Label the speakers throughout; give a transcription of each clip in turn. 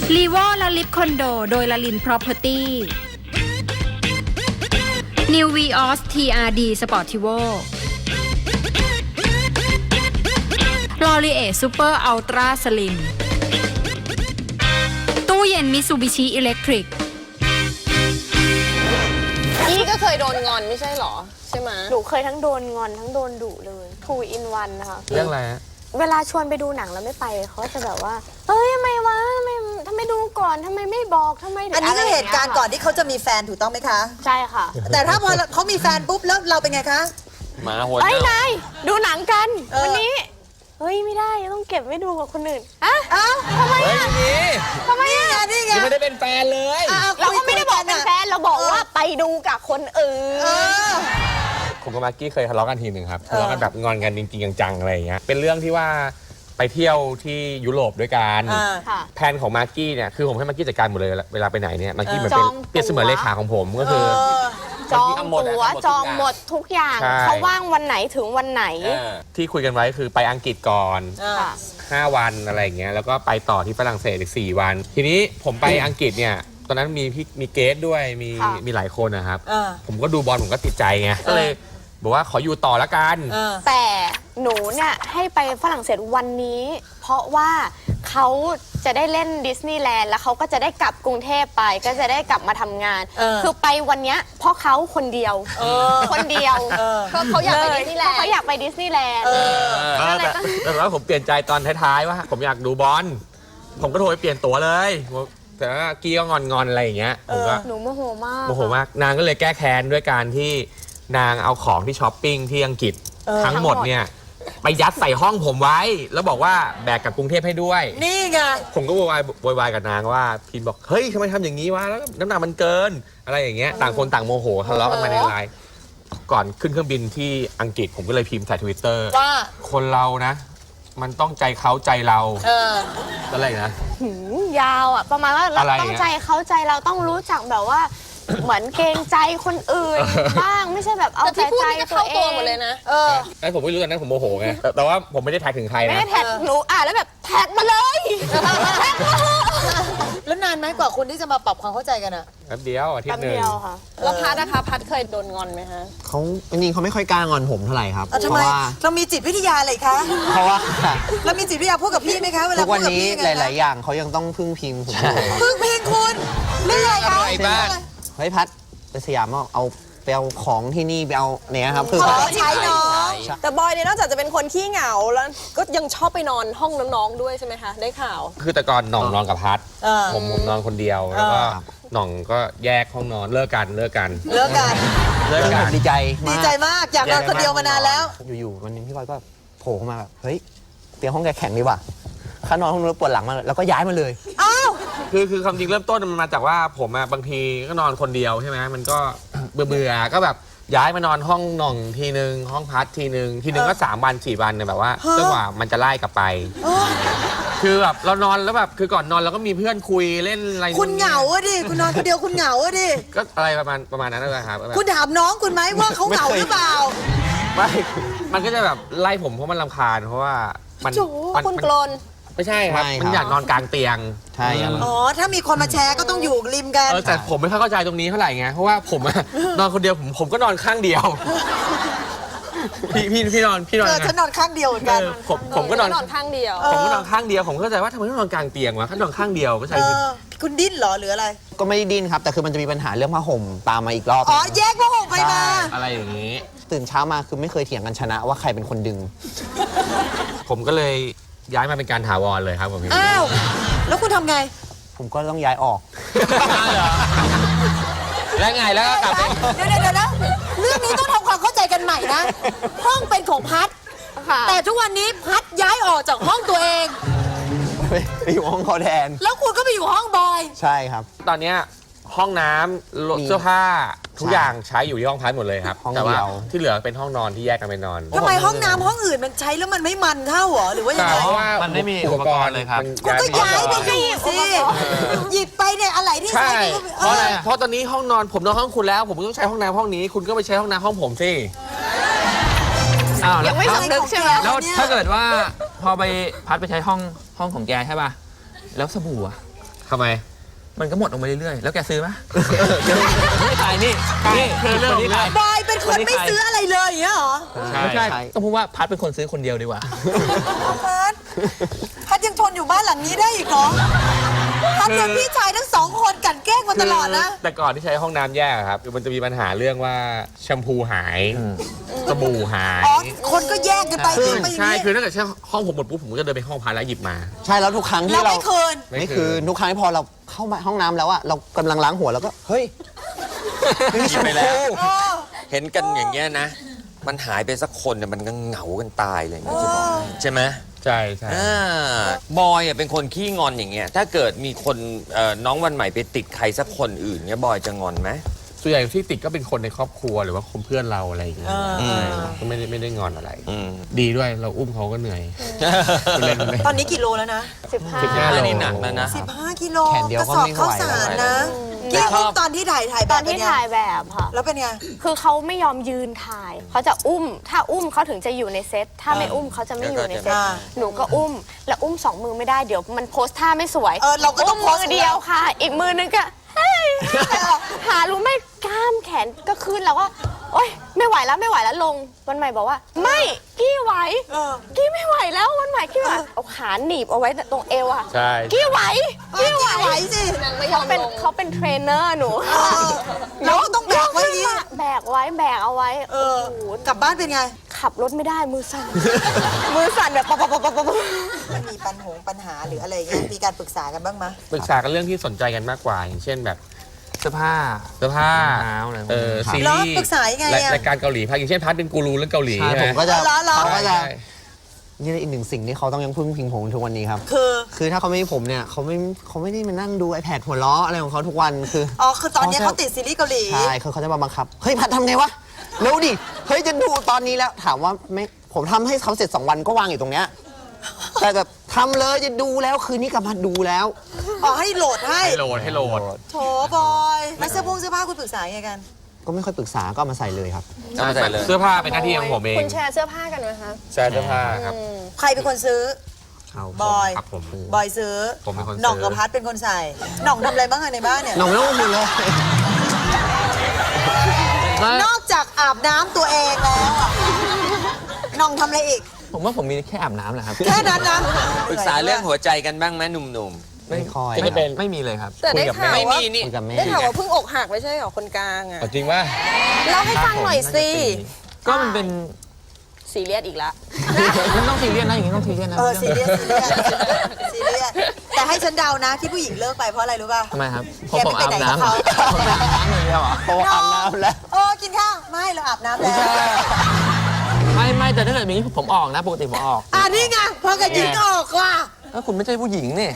Speaker 1: ลีโวและลิฟคอนโดโดยลลิน Property New Vios TRD Sportivo L'Oreal Super Ultra Slim ตู้เย็น Mitsubishi Electric
Speaker 2: นี่ก็เคยโดนงอนไม่ใช่หรอใช่ไหม
Speaker 3: หนูเคยทั้งโดนงอนทั้งโดนดุเลย2 in 1นะคะ
Speaker 4: เรื่องอะไรฮะ
Speaker 3: เวลาชวนไปดูหนังแล้วไม่ไปเขาจะแบบว่าเฮ้ยทำไมวะทำไมดูก่อนทำไมไม่บอกทำไม
Speaker 5: อันนี้คือเหตุการณ์ก่อนที่เขาจะมีแฟนถูกต้องไหมคะ
Speaker 3: ใช่ค่ะ
Speaker 5: แต่ถ้าพอเขามีแฟนปุ๊บแล้วเราเป็นไงคะ
Speaker 4: หมาหัว
Speaker 3: เอ้ย
Speaker 4: เน่าน
Speaker 3: ายดูหนังกัน
Speaker 5: เออ
Speaker 3: วันนี้เฮ้ยไม่ได้ต้องเก็บไว้ดูกับคนอื่นอะ
Speaker 5: อ้าว
Speaker 4: เฮ้ยนี่
Speaker 3: ทำไม
Speaker 5: นี่ไง
Speaker 3: อะ
Speaker 5: นี่ไง
Speaker 4: ยังไม่ได้เป็นแฟนเลย
Speaker 5: อ้าว
Speaker 3: เราก็ไม่ได้บอกเป็นแฟนเราบอกว่าไปดูกับคนอื่
Speaker 5: เอน อ
Speaker 4: ผมกับมากกี้เคยทะเลาะกันทีหนึ่งครับทะเลาะกันแบบงอนกันจริงๆจังๆอะไรอย่างเงี้ยเป็นเรื่องที่ว่าไปเที่ยวที่ยุโรปด้วยกัน
Speaker 5: อ่า
Speaker 3: ค่ะ
Speaker 4: แผนของมากกี้เนี่ยคือผมให้มากกี้จัดการหมดเลยเวลาไปไหนเนี่ยมากกี้เหมือน
Speaker 3: จ
Speaker 4: เป็
Speaker 3: อน ง
Speaker 4: เปรียบเสมือนเลขาของผมก็คือ
Speaker 3: จอง
Speaker 4: ทำหมดอะ
Speaker 3: ตั๋ว
Speaker 4: ทำหมดทุก
Speaker 3: จอง
Speaker 4: อย่าง
Speaker 3: หมดทุกอย่าง
Speaker 4: ใช่
Speaker 3: เขาว่างวันไหนถึงวันไหน
Speaker 4: ที่คุยกันไว้คือไปอังกฤษก่อน
Speaker 3: ค่ะ
Speaker 4: 5 วันอะไรอย่างเงี้ยแล้วก็ไปต่อที่ฝรั่งเศสอีก4 วัน ทีนี้ผมไปอังกฤษเนี่ยตอนนั้นมีเกสด้วยมีหลายคนนะครับ ผมก็ดูบอลผมก็ติดใจไงก็เลยบอกว่าขออยู่ต่อละกัน
Speaker 3: แต่หนูเนี่ยให้ไปฝรั่งเศสวันนี้ เพราะว่าเขาจะได้เล่นดิสนีย์แลนด์แล้วเขาก็จะได้กลับกรุงเทพไปก็จะได้กลับมาทำงาน คือไปวันเนี้ยเพราะเขาคนเดียวคนเดียว
Speaker 2: ก็เขาอยากไปดิสนีย์แลนด์
Speaker 3: เขาอยากไปดิสนีย์แลนด์
Speaker 4: แต่ว่าผมเปลี่ยนใจตอนท้ายๆว่าผมอยากดูบอลผมก็โทรไปเปลี่ยนตั๋วเลยแต่ว่ากี้ก็งอนๆอะไรอย่างเงี้ยผมก็
Speaker 3: หนูโมโหมาก
Speaker 4: โมโหมากนางก็เลยแก้แค้นด้วยการที่นางเอาของที่ช้อปปิ้งที่อังกฤษทั้งหมดเนี่ยไปยัดใส่ห้องผมไว้ แล้วบอกว่าแบกกลับกรุงเทพให้ด้วย
Speaker 5: นี่ไง
Speaker 4: ผมก็โวยวายกับนางว่าพินบอกเฮ้ยทำไมทำอย่างนี้วะแล้วน้ำหนักมันเกินอะไรอย่างเงี้ยต่างคนต่างโมโหทะเลาะกันมาในไลน์ก่อนขึ้นเครื่องบินที่อังกฤษผมก็เลยพิมพ์ใส่ Twitter
Speaker 5: ว่า
Speaker 4: คนเรานะ มันต้องใจเขาใจเราอะไรนะ
Speaker 3: ยาวอ่ะประมาณว่าเรา
Speaker 4: อะไร
Speaker 3: ต้องใจเขาใจเราต้องรู้จักแบบว่า เหมือนเกรงใจคนอื่นบ้างไม่ใช่แบบเอา
Speaker 2: แต่
Speaker 3: ใจ
Speaker 2: ที่พูด
Speaker 3: ใจ
Speaker 2: นี่ก็
Speaker 3: ตัว
Speaker 2: เข้า
Speaker 3: เอ
Speaker 2: ตัว
Speaker 3: ง
Speaker 2: หมดเลยนะ
Speaker 4: ไอ้ผมไม่รู้ตอนนั้นผมโมโหไงแต่ว่าผมไม่ได้แท็กถึงใคร
Speaker 3: ไม่
Speaker 4: นะ
Speaker 3: ได้แท็กหนูแล้วแบบแท็กมาเลยแท็กมา
Speaker 5: แล้วนานไหมกว่าคุณที่จะมาปรับความเข้าใจกันอะ
Speaker 4: แป๊บเดียวอาทิต
Speaker 3: แป๊บ
Speaker 4: ย์หนึ่ง
Speaker 3: เดียวค่ะ
Speaker 2: แล้วพัดนะคะพัดเคยโดนงอนไหมฮะ
Speaker 6: เขาจริงๆเขาไม่ค่อยกล้างอนผมเท่าไหร่ครับ
Speaker 5: ทำ
Speaker 6: เพ
Speaker 5: ไม
Speaker 6: ราะว่า
Speaker 5: เรามีจิตวิทยาอะไรคะ
Speaker 6: เพราะว่า
Speaker 5: เรามีจิตวิทยาพูดกับพี่ไหมคะเวลา
Speaker 6: ทุก
Speaker 5: พู
Speaker 6: วั
Speaker 5: ด
Speaker 6: น
Speaker 5: กับ
Speaker 6: นี้
Speaker 5: พี่ยัง
Speaker 6: ห
Speaker 5: ไง
Speaker 6: ลาย ๆ อย่างเขายังต้องพึ่งพิงผมอยู่ครับ
Speaker 5: พึ่งเพลงคุณเรื่องอะไรคะ
Speaker 4: อะไรบ้าง
Speaker 6: เฮ้ยพัดไปสยามเอาไปเอาของที่นี่ไปเอาเนี่ยครับคือ
Speaker 5: ขอใช้น้อง
Speaker 2: แต่บอยเนี่ยนอกจากจะเป็นคนขี้เหงาแล้วก็ยังชอบไปนอนห้องน้องๆด้วยใช่ไหมคะได้ข่าว
Speaker 4: คือแต่ก่อนหน่องนอนกับพัด ผมนอนคนเดียวแล้วก็หน่องก็แยกห้องนอนเลิกกัน
Speaker 5: เลิกกัน
Speaker 6: เรื่องผมดีใจ
Speaker 5: ดีใจมากอยากนอนคนเดียวมานานแล้ว
Speaker 6: อยู่ๆวันหนึงพี่บอยก็โผล่เข้ามาแบบเฮ้ยเตียงห้องแกแข็งดีว่ะข้านอนห้องนู้นปวดหลังมากเลยแล้วก็ย้ายมาเลย
Speaker 5: อ้าว
Speaker 4: คือความจริงเริ่มต้นมันมาจากว่าผมอะบางทีก็นอนคนเดียวใช่ไหมมันก็ เบื่อๆก็แบบย้ายมานอนห้องหน่องทีนึงห้องพัดทีนึงก็3 วัน 4 วันเนี่ยแบบว่าจนกว่ามันจะไล่กลับไป คือแบบเรานอนแล้วแบบคือก่อนนอนเราก็มีเพื่อนคุยเล่นอะไร
Speaker 5: คุณเหงาอะดิคุณนอนคนเดียวคุณเหงาอะดิ
Speaker 4: ก็อะไรประมาณนั้นเลยครับแบบ
Speaker 5: คุณถามน้องคุณไหมว่าเขาเหงาหรือเปล่า
Speaker 4: ไม่มันก็จะแบบไล่ผมเพราะมันรำคาญเพราะว่ามัน
Speaker 2: โจคุณกลน
Speaker 4: ไม่ใช่ครับ
Speaker 6: ไม่ครับ
Speaker 4: มันอยากนอนกลางเตียง
Speaker 6: ใช่ครับ
Speaker 5: อ๋อถ้ามีคนมาแชร์ก็ต้องอยู่ริมกัน
Speaker 4: แต่ผมไม่ค่อยเข้าใจตรงนี้เท่าไหร่ไงเพราะว่าผมอะ นอนคนเดียวผมก็นอนข้างเดียว พี่นอน
Speaker 5: ฉันนอนข้างเดียวเหมือนกัน
Speaker 4: ผมก็นอน
Speaker 2: นอนข้างเดียว
Speaker 4: ผมก็นอนข้างเดียวผมก็เข้าใจว่าทำไมต้องนอนกลางเตียงวะถ้านอนข้างเดียวก็ใช่คือ
Speaker 5: คุณดิ้นเหรอหรืออะไร
Speaker 6: ก็ไม่ได้ดิ้นครับ แต่คือมันจะมีปัญหาเรื่องผ้าห่มตามมาอีกรอบ
Speaker 5: อ๋อแยกผ้าห่มไปมา
Speaker 4: อะไรอย่างนี้
Speaker 6: ตื่นเช้ามาคือไม่เคยเถียงกันชนะว่าใครเป็นคนดึง
Speaker 4: ผมก็เลยย้ายมาเป็นการถาวรเลยครับผมพี่
Speaker 5: อ้าวแล้วคุณทำไง
Speaker 6: ผมก็ต้องย้ายออก
Speaker 4: แล้วไงแล้วก็กลับไป
Speaker 5: เดี๋ยวนะเรื่องนี้ต้องทำความเข้าใจกันใหม่นะ ห้องเป็นของพัด
Speaker 3: ค่ะ
Speaker 5: แต่ทุกวันนี้พัดย้ายออกจากห้องตัวเอง
Speaker 6: ไปอยู่ห้องเขาแทน
Speaker 5: แล้วคุณก็ไปอยู่ห้องบอย
Speaker 6: ใช่ครับ
Speaker 4: ตอนเนี้ยห้องน้ำ
Speaker 6: มี
Speaker 4: เสื้อผ้าทุกอย่างใช้อยู่ที่ห้องพักหมดเลยครับ
Speaker 6: ห้อง
Speaker 4: แต่ว่า
Speaker 6: เดียว
Speaker 4: ที่เหลือเป็นห้องนอนที่แยกกันไปนอน
Speaker 5: ทำไมห้องน้ำห้องอื่นมันใช้แล้วมันไม่มันเท่าเหรอหรือว่ายังไง
Speaker 4: เพราะว่า
Speaker 7: มันไม่มีอุปกรณ์เลยครับ
Speaker 5: คุณก็ย้ายไปอยู่สิหยิบไปเนี่ยอะไรที่
Speaker 4: ใช่
Speaker 5: ใช้
Speaker 4: เพราะอะไรเพราะตอนนี้ห้องนอนผมนอนห้องคุณแล้ว ผมก็ต้องใช้ห้องน้ำห้องนี้ คุณก็ไปใช้ห้องน้ำห้องผมสิ
Speaker 7: อ้าว
Speaker 3: ยังไม่สำนึกใช่ไหม
Speaker 7: แล้วถ้าเกิดว่าพอไปพัดไปใช้ห้องของแกใช่ป่ะ แล้วสบู่อะ
Speaker 4: ทำไม
Speaker 7: มันก็หมดออกมาเรื่อยๆ แล้วแกซื้อไหมไม่ขายนี่คือเรื่องนี้ขาย
Speaker 5: บอยเป็นคนไม่ซื้ออะไรเลยอย่างเงี้ยเหรอ
Speaker 7: ไม่ใช่ต้องพูดว่าพัดเป็นคนซื้อคนเดียวดีกว่า
Speaker 5: พัดยังทนอยู่บ้านหลังนี้ได้อีกเหรอพัดโดนพี่ชายทั้งสองคนกลั่นแกล้งมาตลอดนะ
Speaker 4: แต่ก่อนที่ใช้ห้องน้ำแยกอะครับมันจะมีปัญหาเรื่องว่าแชมพูหายสบู่หาย
Speaker 5: อ๋อ คนก็แยกกันไปทิ้งไปอย่าง
Speaker 4: ใช่
Speaker 5: นี้
Speaker 4: คือถ้าเกิดใช้ห้องผมหมดปุ๊บผมก็จะเดินไปห้องพักแล้วหยิบมา
Speaker 6: ใช่แล้วทุกครั้ง
Speaker 5: เรา
Speaker 6: ที่เรา
Speaker 5: ไม่คืน
Speaker 6: ไม่คือทุกครั้งที่พอเราเข้ามาห้องน้ำแล้วอะเรากำลังล้างหัวแล้วก็เฮ้ยไม่มีแชม
Speaker 8: ไปแล้ว
Speaker 6: พู
Speaker 8: เห็นกันอย่างเงี้ยนะ มันหายไปสักคนเนี่ยมันก็เหงากันตายเลยนะจะบอกให้ใช่ไหม
Speaker 4: ใช่ใช่
Speaker 8: บอยอ่ะเป็นคนขี้งอนอย่างเงี้ยถ้าเกิดมีคนน้องวันใหม่ไปติดใครสักคนอื่นเงี้ยบอยจะงอนไหม
Speaker 4: ส่วนใหญ่ที่ติดก็เป็นคนในครอบครัวหรือว่าคนเพื่อนเราอะไรอย่างเงี้ยก็ไม่ได้งอนอะไร ดีด้วยเราอุ้มเขาก็เหนื่อยเล่น
Speaker 5: ตอนนี้กี่โลแล้วนะ
Speaker 4: 15 โล
Speaker 8: นี่หนักแล้วนะ
Speaker 5: 15 กิโล
Speaker 6: แขนเดียว
Speaker 5: กระ
Speaker 6: ก็
Speaker 5: สอบ
Speaker 6: ไม่ไหว
Speaker 5: ข้าวสารนะกี้อุ้มตอนที่ถ่ายแบ
Speaker 3: ตอบ น
Speaker 5: เป็น
Speaker 3: ที่
Speaker 5: ไง
Speaker 3: ถ่ายแบบค่ะ
Speaker 5: แล้วเป็นไง
Speaker 3: คือเขาไม่ยอมยืนถ่าย เขาจะอุ้ม ถ้าอุ้มเขาถึงจะอยู่ในเซต ถ้าไม่อุ้มเขาจะไม่อยู่ในเซต
Speaker 5: อ่า
Speaker 3: หนูก็อุ้ม แล้วอุ้ม2 มือไม่ได้ เดี๋ยวมันโพสท่าไม่สวย
Speaker 5: เราก็ต้อง
Speaker 3: ม
Speaker 5: โพส
Speaker 3: มือเดียวค่ะ อีกมือนึงก็เฮ้ยหารู้ไหมกล้ามแขนก็ขึ้นแล้วก็โอ๊ยไม่ไหวแล้วลง วันใหม่บอกว่า ไม่กี้ไหว กี้ไม่ไหวแล้ววันใหม่กี้ไหวเอาขาหนีบเอาไว้ตรงเอวอะ
Speaker 4: ใช่
Speaker 3: กี้ไหว
Speaker 5: กี้ไหวสิ
Speaker 3: เขาเป็นเทรนเนอร์หนู
Speaker 5: เราก็ต้องแบกไว้อย่างนี้
Speaker 3: แบกเอาไว้ โอ้โห
Speaker 5: กลับบ้านเป็นไง
Speaker 3: ขับรถไม่ได้มือสั่น มือสั่นแบบปั๊บ
Speaker 5: มันมีปัญหาหรืออะไรเงี้ย มีการปรึกษากันบ้างไหม
Speaker 4: ปรึกษากันเรื่องที่สนใจกันมากกว่า อย่างเช่นแบบ
Speaker 7: เสื้อผ้า
Speaker 4: เสื้อผ้าร
Speaker 7: องเท้าอะไรพวกนี้
Speaker 4: ซี
Speaker 5: แล้ว
Speaker 4: รีส์
Speaker 5: ปรึกษายังไงอะ
Speaker 4: รายการเกาหลีพักอย่างเช่นพัดเป็นกูรูเรื่องเกาหลี
Speaker 6: ใช่
Speaker 4: ใช่ไห
Speaker 6: ผม มก็จะ
Speaker 5: เหรอ
Speaker 6: เขาก็จะ
Speaker 4: ใช่
Speaker 6: นี่อีกหนึ่งสิ่งที่เขาต้องยังพึ่งพิงผมทุกวันนี้ครับ คือถ้าเขาไม่มีผมเนี่ยเขาไม่ได้มานั่งดู iPad หัวล้ออะไรของเขาทุกวันคือ
Speaker 5: คือตอนนี้เขาติดซีรีส์เกาหลี
Speaker 6: ใช่คือเขาจะมาบังคับ เฮ้ยพัดทำไงวะ เร็วดิ เฮ้ยจะดูตอนนี้แล้ว ถามว่าไม่ผมทำให้เขาเสร็จ2 วันก็วางอยู่ตรงเนี้ย แต่แบบทำเลยจะดูแล้วคืนนี้กลับมาดูแล้ว
Speaker 5: ให้โหลดให้
Speaker 4: ให้โหลด
Speaker 5: โถบอยแล้วเสื้อผ้าคุณปรึกษายังไงกัน
Speaker 6: ก็ไม่ค่อยปรึกษาก็เอามาใส่เลยครับ
Speaker 8: เอาใส่เลย
Speaker 4: เสื้อผ้าเป็นหน้าที่ของผมเอง
Speaker 3: คุณแชร์เสื้อผ้ากันไหมคะ
Speaker 4: แชร์เสื้อผ้าครับ
Speaker 5: ใครเป็นคนซื้อ บอย
Speaker 4: ครับผม
Speaker 5: บอยซื้อ
Speaker 4: ผมเป็นคนซื้อ
Speaker 5: หน่องกับพัดเป็นคนใส่ หน่องทำอะไรบ้างอะในบ้านเนี่ย
Speaker 6: หน่องไม่ต้องพูดเลย
Speaker 5: นอกจากอาบน้ำตัวเองแล้วอะหน่องทำอะไรอีก
Speaker 7: ผมว่าผมมีแค่อาบน้ำแหละครับ
Speaker 5: แค่นั้นนะ
Speaker 8: ปรึกษาเรื่องหัวใจกันบ้างไหมหนุ่ม
Speaker 6: ไม่ค่อย
Speaker 7: ไม่มีเลยครับ
Speaker 2: แต่ได้ข่าว
Speaker 8: ๆ ไม่
Speaker 2: ว่า
Speaker 8: มีนี่
Speaker 6: คุยกับแม่
Speaker 2: ได้ข่าวว่าเพิ่งอกหักไม่ใช่เหรอคนกลางอ่ะ
Speaker 4: จริงว่า
Speaker 2: เล่าให้ฟังหน่อยสิ
Speaker 7: ก็มันเป็น
Speaker 2: ซีเรียสอีกแล้ว
Speaker 7: มันต้องซีเรียสนะอย่างนี้ต้องซีเรียสนะ
Speaker 5: ซีเรียสแต่ให้ฉันเดานะที่ผู้หญิงเลิกไปเพราะอะไรรู้ป่ะ
Speaker 7: ทำไมครับ
Speaker 5: แกไม่ไปไหนกับเขา
Speaker 7: ผมอาบน้ำอย่างเดียวเหรอ
Speaker 6: เพราะว่าอาบน้ำแล้ว
Speaker 5: กินข้าวไม่เราอาบน้ำแล้ว
Speaker 7: ไม่แต่ถ้าเกิดอย่างนี้ผมออกนะปกติผมออก
Speaker 5: นี่ไงพอกับหญิงออกว่ะ
Speaker 7: แล้วคุณไม่ใช่ผู้หญิงนี่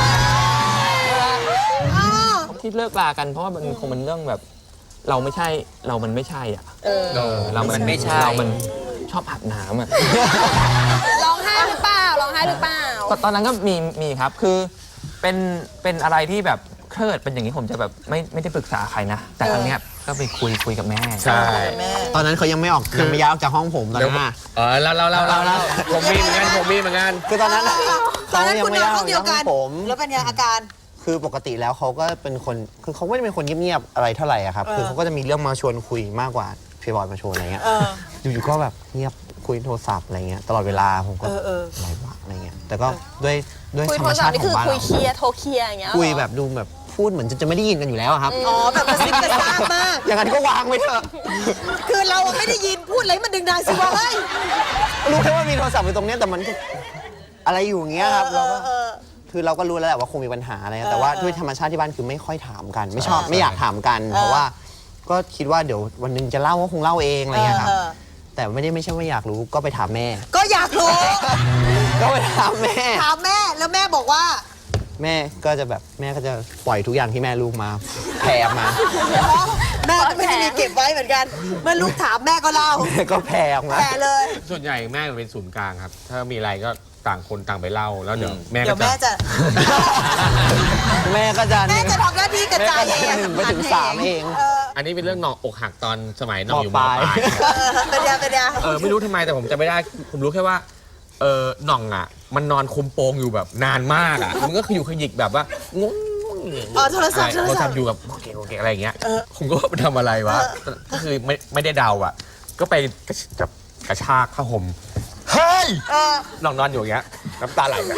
Speaker 7: ที่เลิกลากันเพราะว่ามันคงเป็นเรื่องแบบ เราไม่ใช่เรามันไม่ใช่อ่ะเรามันไม่ใช่เรามันชอบอาบน้ำอ่ะ
Speaker 2: ร้องไห้หรือเปล่า
Speaker 7: ก็ตอนนั้นก็มีครับคือเป็นอะไรที่แบบถ้าเกิดเป็นอย่างนี้ผมจะแบบไม่ได้ปรึกษาใครนะ แต่ครั้งเนี้ยก็ไปคุยกับแม่
Speaker 4: ใช่
Speaker 6: ตอนนั้นเขายังไม่ออกยังไม่ย้ายออกจากห้องผมตอนนั้นอะ
Speaker 4: เราผมมีเหมือนกัน
Speaker 6: คือตอนนั้นอะ
Speaker 5: ตอนนั้น
Speaker 6: ยั
Speaker 5: คุณ
Speaker 6: ไม่
Speaker 5: นอน
Speaker 6: ย้ายอ
Speaker 5: ห้
Speaker 6: อ
Speaker 5: อง
Speaker 6: ก
Speaker 5: เดีย
Speaker 6: จาว กห้
Speaker 5: กั
Speaker 6: อน งผม
Speaker 5: แล้วเป็นไงอาการ
Speaker 6: คือปกติแล้วเขาก็เป็นคนคือเขาไม่ได้เป็นคนเงียบๆอะไรเท่าไหร่อะครับคือเขาก็จะมีเรื่องมาชวนคุยมากกว่าพี่บอยมาชวนอะไรเงี้ยอยู่ๆก็แบบเงียบคุยโทรศัพท์อะไรเงี้ยตลอดเวลาผมก็อะไรวะอะไรเงี้ยแต่ก็ด้วย
Speaker 2: คุย
Speaker 6: ธร
Speaker 2: โท
Speaker 6: รม
Speaker 2: รศั
Speaker 6: ชา
Speaker 2: พท์
Speaker 6: ติ
Speaker 2: นี่
Speaker 6: ขอ
Speaker 2: คื
Speaker 6: ง
Speaker 2: อ
Speaker 6: บ้าน
Speaker 2: คุย
Speaker 6: เรา
Speaker 2: เคลียร์โทรเคลียร์อย่างเงี้ย
Speaker 6: คุยแบบดูแบบพูดเหมือนจะไม่ได้ยินกันอยู่แล้วอะครับ
Speaker 5: แบบกระซิบกระซาบมาก
Speaker 6: อย่างนั้นก็วางไว้เถอะ
Speaker 5: คือเราไม่ได้ยินพูดอะไรมันดึงดังสิวะเฮ้ย
Speaker 6: รู้แค่ว่ามีโทรศัพท์อยู่ตรงเนี้ยแต่มันก็อะไรอยู่อย่างเงี้ยครับเราก็คือเราก็รู้แล้วแหละว่าคงมีปัญหาอะไรนะแต่ว่าด้วยธรรมชาติที่บ้านคือไม่ค่อยถามกัน ไม่ชอบไม่อยากถามกัน เพราะว่าก็คิดว่าเดี๋ยววันหนึงจะเล่าก็คงเล่าเองอะไรเงี้ยครับแต่ไม่ใช่ว่าอยากรู้ก็ไปถามแม่
Speaker 5: ก็อยากรู้
Speaker 6: ก็ไปถามแม่
Speaker 5: ถามแม่แล้วแม่บอกว่า
Speaker 6: แม่ก็จะปล่อยทุกอย่างที่แม่ลูกมาแผ่ออกมา
Speaker 5: แม่ก็ไม่ได้มีเก็บไว้เหมือนกัน เมื่อลูกถามแม่ก็เล่า
Speaker 6: ก็แผ่ออกมา
Speaker 5: แผ่เลย
Speaker 4: ส่วนใหญ่แม่เป็นศูนย์กลางครับ ถ้ามีอะไรก็ต่างคนต่างไปเล่าแล้วเดี๋ยวแม่
Speaker 5: เดี๋
Speaker 4: ก็
Speaker 5: ยวแม่จะ
Speaker 6: แม่ก็จะ
Speaker 5: แม่จะทำหน้าที่กระจายเอง
Speaker 6: 1ไปถึง3เอง
Speaker 4: อันนี้เป็นเรื่องน้องอกหักตอนสมัยน้องอยู่ม
Speaker 6: ป
Speaker 4: ป
Speaker 6: ลา
Speaker 4: ลาย ย
Speaker 5: เป็นยัง
Speaker 4: ไม่รู้ทำไมแต่ผมจำไม่ได้ ผมรู้แค่ว่าหน่องอ่ะ มันนอนคุมโปงอยู่แบบนานมากอ่ะมันก็คืออยู่ขยิกแบบว่างง
Speaker 5: อ๋อโทรศัพท์
Speaker 4: โทรศัพท์อยู่กับโอเคอะไรอย่างเงี้ยผมก็ว่ามันทำอะไรวะก็คือไม่ได้เดาอ่ะก็ไปกระชากผ้าห่มเฮ้ยนอนอยู่อย่างเงี้ยน้ำตาไหลอะ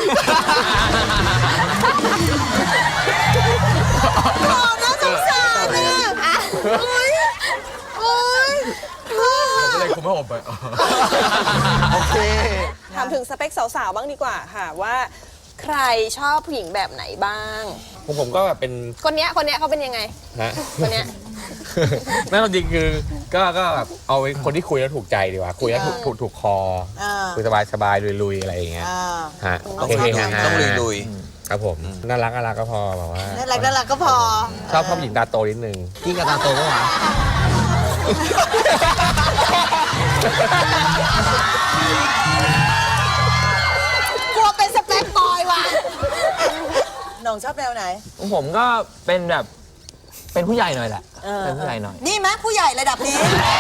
Speaker 5: น่าสงสารนะโอ๊ย
Speaker 4: ผมก็เลยคุมผ้าห่มไป
Speaker 6: โอเค
Speaker 2: ถามถึงสเปคสาวๆบ้างดีกว่าค่ะว่าใครชอบผู้หญิงแบบไหนบ้าง
Speaker 4: ผมก็แบบเป็น
Speaker 2: คนเนี้ยเขาเป็นยังไง
Speaker 4: นะ
Speaker 2: คนเนี้ย
Speaker 4: นั่นจริงคือก็แบบเอาคนที่คุยแล้วถูกใจดีกว่าคุยแล้วถูกคอคุยสบายๆลุยๆอะไรอย่างเงี้ยฮะ
Speaker 8: ต้อง
Speaker 4: เฮๆฮาๆ
Speaker 8: ต้องลุย
Speaker 4: ครับผมน่ารักก็พอแบบว่า
Speaker 5: น่ารักก็พอ
Speaker 4: ชอบผู้หญิงตาโตนิดนึง
Speaker 6: พี่กับตาโตก็หวาน
Speaker 5: กลัวเป็นสเปคบอยว่ะหน่องชอบแนวไหน
Speaker 7: ผมก็เป็นแบบเป็นผู้ใหญ่หน่อยแหละเป็นผู้ใหญ่หน่อย
Speaker 5: นี่ไหมผู้ใหญ่ระดับนี้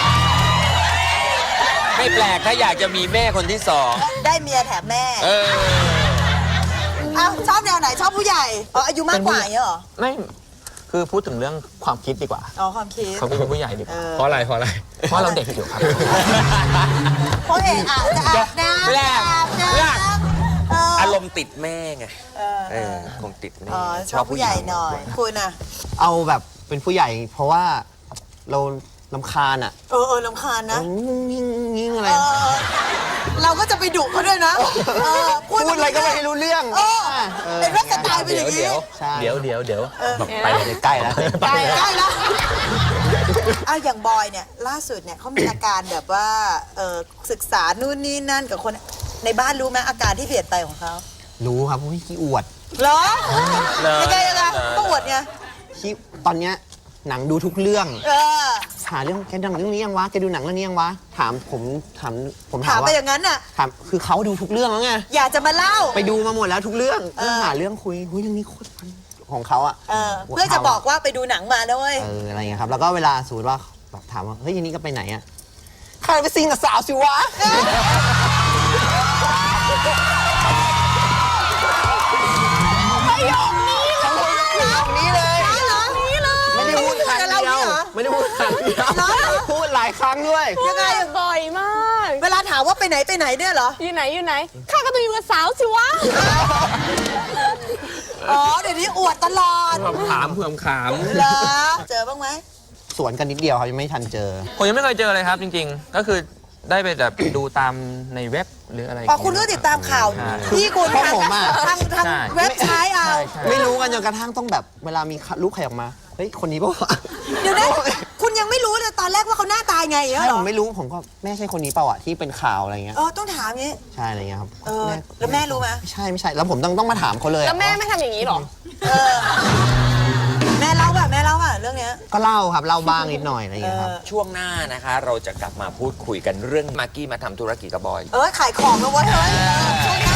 Speaker 8: ๆ ไม่แปลกถ้าอยากจะมีแม่คนที่สอง
Speaker 5: ได้เมียแถมแม่
Speaker 8: เออ
Speaker 5: อ้าวชอบแนวไหนชอบผู้ใหญ่อ๋ออายุมากกว่าอย่างเงี้ยเหรอ
Speaker 7: ไม่คือพูดถึงเรื่องความคิดดีกว่า
Speaker 5: อ๋อความคิด
Speaker 7: เขาเป็นผู้ใหญ่ดีกว่า
Speaker 4: เพราะอะไร
Speaker 7: เพราะเราเด็กอยู่ครับ
Speaker 5: เพราะเอกอาจจะอาบน้ำ
Speaker 8: แรก
Speaker 5: อาบน้
Speaker 8: แรก
Speaker 5: ำ
Speaker 8: อารมณ์ติดแม่ไงคงติดแม่
Speaker 5: อ๋อชอบผู้ใหญ่หน่อย คุณอ่ะ
Speaker 6: เอาแบบเป็นผู้ใหญ่เพราะว่าเราลำคาญอ่ะ
Speaker 5: รำคาญนะ
Speaker 6: ยิ่งอะไร
Speaker 5: เราก็จะไปดุเขาด้วยนะพูด
Speaker 6: พูดอะไรก็ไม่รู้เรื่อง
Speaker 5: เป็นว่าสไตล์เป็นอย่างนี้
Speaker 6: ใช่
Speaker 7: เดี๋ยว
Speaker 6: แบบไปใกล้แล้ว
Speaker 5: ใกล้แล้วอ้าวอย่างบอยเนี่ยล่าสุดเนี่ยเขามีอาการแบบว่าศึกษานู่นนี่นั่นกับคนในบ้านรู้ไหมอาการที่เปลี่ยนไปของเขา
Speaker 6: รู้ครับพี่ขี้อวด
Speaker 5: เหรอยังไงก็อวดไง
Speaker 6: ขี้ตอนเนี้ยหนังดูทุกเรื่อง
Speaker 5: เออ
Speaker 6: หาเรื่องแกดูหนังเรื่องนี้ยังวะแกดูหนังเรื่องนี้ยังวะถามผมถาม
Speaker 5: ถามไป
Speaker 6: ว่า
Speaker 5: อย่างนั้นน่ะ
Speaker 6: ถามคือเขาดูทุกเรื่องแล้วไง
Speaker 5: อยากจะมาเล่า
Speaker 6: ไปดูมาหมดแล้วทุกเรื่องหาเรื่องคุยเรื่องนี้โคตรมันของเขาอ่ะ
Speaker 5: เพื่อจะบอกว่าไปดูหนังมาด้วย
Speaker 6: อะไรเงี้ยครับแล้วก็เวลาสมมติว่าแบบถามว่าเฮ้ยยันนี้ก็ไปไหนอ่ะใครไปซิงกับสาวสิวะนี้เลยไม่ได้พูดครั้งเดียวไม่ได้พูดครั้งเดียวพูดหลายครั้งด้วย
Speaker 5: ยังไง
Speaker 3: บ่อยมาก
Speaker 5: เวลาถามว่าไปไหนเนี่ยเหรอ
Speaker 3: อยู่ไหนข้าก็ต้องอยู่กับสาวสิวะ
Speaker 5: อ๋อเดี๋ยวนี้อวดตลอด
Speaker 4: ถามเผื่อขาม
Speaker 5: เหรอเจอบ้างไหม
Speaker 6: สวนกันนิดเดียวครับยังไม่ทันเจอ
Speaker 7: ผมยังไม่เคยเจอเลยครับจริงๆ ก็คือได้ไปแบบดูตามในเว็บหรืออะไร
Speaker 5: อ๋อคุณก็ติดตามข่าว
Speaker 7: ใช่
Speaker 5: ที่คุณ
Speaker 6: เพราะผมอะ
Speaker 5: ทาง
Speaker 7: ใช่
Speaker 5: เว็บใช้เอา
Speaker 7: ใช่
Speaker 6: ไม่รู้กันจนกระทั่งต้องแบบเวลามีลูกใครออกมาเฮ้ยคนนี้ป่าวะ
Speaker 5: เดี๋ยวนะคุณยังไม่รู้เลยตอนแรกว่าเขาหน้าตายไงเหร
Speaker 6: ใช่
Speaker 5: อ
Speaker 6: ผมไม่รู้ผมก็แม่ใช่คนนี้เปล่าอะที่เป็นข่าวอะไรเงี้ย
Speaker 5: ต้องถามงี้
Speaker 6: ใช่อะไรเงี้ยครับ
Speaker 5: แล้วแม่รู้ไหม
Speaker 6: ไม่ใช่แล้วผมต้องมาถามเขาเลย
Speaker 3: แล้วแม่ไม่ทำอย่างนี้หรอ
Speaker 5: แม่เล่าป่ะเรื่องเนี้ย
Speaker 6: ก็เล่าครับเล่าบ้างนิดหน่อยอะไรเงี้ยครับ
Speaker 8: ช่วงหน้านะคะ เราจะกลับมาพูดคุยกันเรื่องมากกี้มาทำธุรกิจกับบอย
Speaker 5: ขายของแล้วเว้ยเฮ้ยช่วยนะ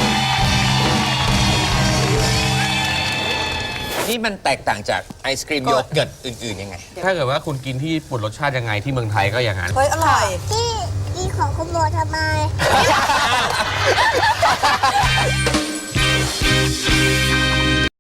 Speaker 8: นี่มันแตกต่างจากไอศกรีมโยเกิร์ตอื่นๆยังไง
Speaker 4: ถ้าเกิดว่าคุณกินที่ญี่ปุ่นรสชาติยังไงที่เมืองไทยก็อย่างนั้น
Speaker 5: เฮ้ยอร่อย
Speaker 9: ที่กินของคุณโบทำไม